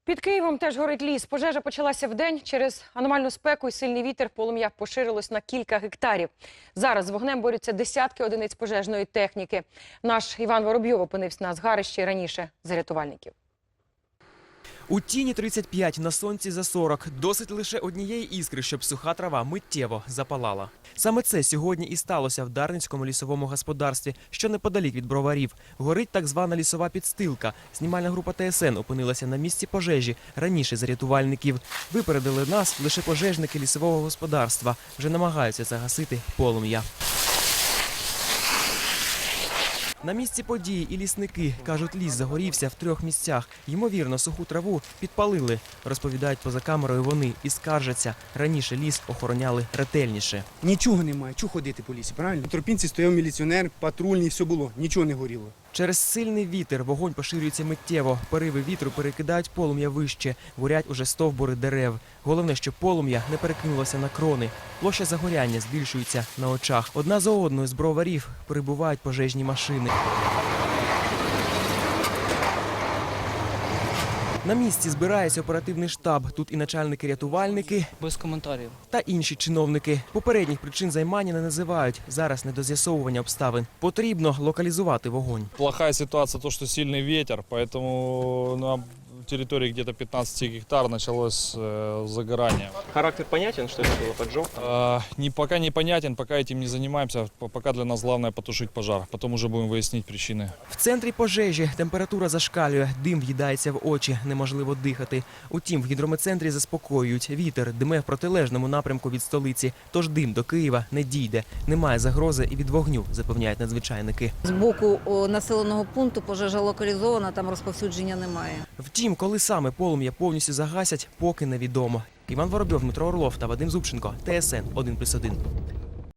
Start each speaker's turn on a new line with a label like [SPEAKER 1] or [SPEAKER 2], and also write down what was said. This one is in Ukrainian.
[SPEAKER 1] Під Києвом теж горить ліс. Пожежа почалася вдень. Через аномальну спеку і сильний вітер полум'я поширилось на кілька гектарів. Зараз з вогнем борються десятки одиниць пожежної техніки. Наш Іван Воробйов опинився на згарищі раніше за рятувальників.
[SPEAKER 2] У тіні 35, на сонці за 40. Досить лише однієї іскри, щоб суха трава миттєво запалала. Саме це сьогодні і сталося в Дарницькому лісовому господарстві, що неподалік від Броварів. Горить так звана лісова підстилка. Знімальна група ТСН опинилася на місці пожежі раніше за рятувальників. Випередили нас лише пожежники лісового господарства. Вже намагаються загасити полум'я. На місці події і лісники. Кажуть, ліс загорівся в 3 місцях. Ймовірно, суху траву підпалили. Розповідають поза камерою вони і скаржаться. Раніше ліс охороняли ретельніше.
[SPEAKER 3] Нічого немає, чого ходити по лісі, правильно? В Тропінці стояв міліціонер, патрульний, все було, нічого не горіло.
[SPEAKER 2] Через сильний вітер вогонь поширюється миттєво. Пориви вітру перекидають полум'я вище. Горять уже стовбури дерев. Головне, щоб полум'я не перекинулося на крони. Площа загоряння збільшується на очах. Одна за одною з Броварів прибувають пожежні машини. На місці збирається оперативний штаб. Тут і начальники-рятувальники,
[SPEAKER 4] без коментарів,
[SPEAKER 2] та інші чиновники. Попередніх причин займання не називають. Зараз не до з'ясовування обставин. Потрібно локалізувати вогонь.
[SPEAKER 5] Плохая ситуация, то, что сильный ветер, поэтому на территории где-то 15 гектар началось загорание.
[SPEAKER 2] Характер понятен, что это было поджог?
[SPEAKER 5] Пока непонятен, пока этим не занимаемся. Пока для нас главное потушить пожар. Потом уже будем выяснить причины.
[SPEAKER 2] В центрі пожежі температура зашкалює, дим в'їдається в очі, неможливо дихати. Утім, в гідрометцентрі заспокоюють. Вітер дме в протилежному напрямку від столиці, тож дим до Києва не дійде. Немає загрози і від вогню, запевняють надзвичайники.
[SPEAKER 6] З боку населеного пункту пожежа локалізована, там розповсюдження немає.
[SPEAKER 2] Втім, коли саме полум'я повністю загасять, поки невідомо. Іван Воробйов, Дмитро Орлов та Вадим Зубченко. ТСН 1+1.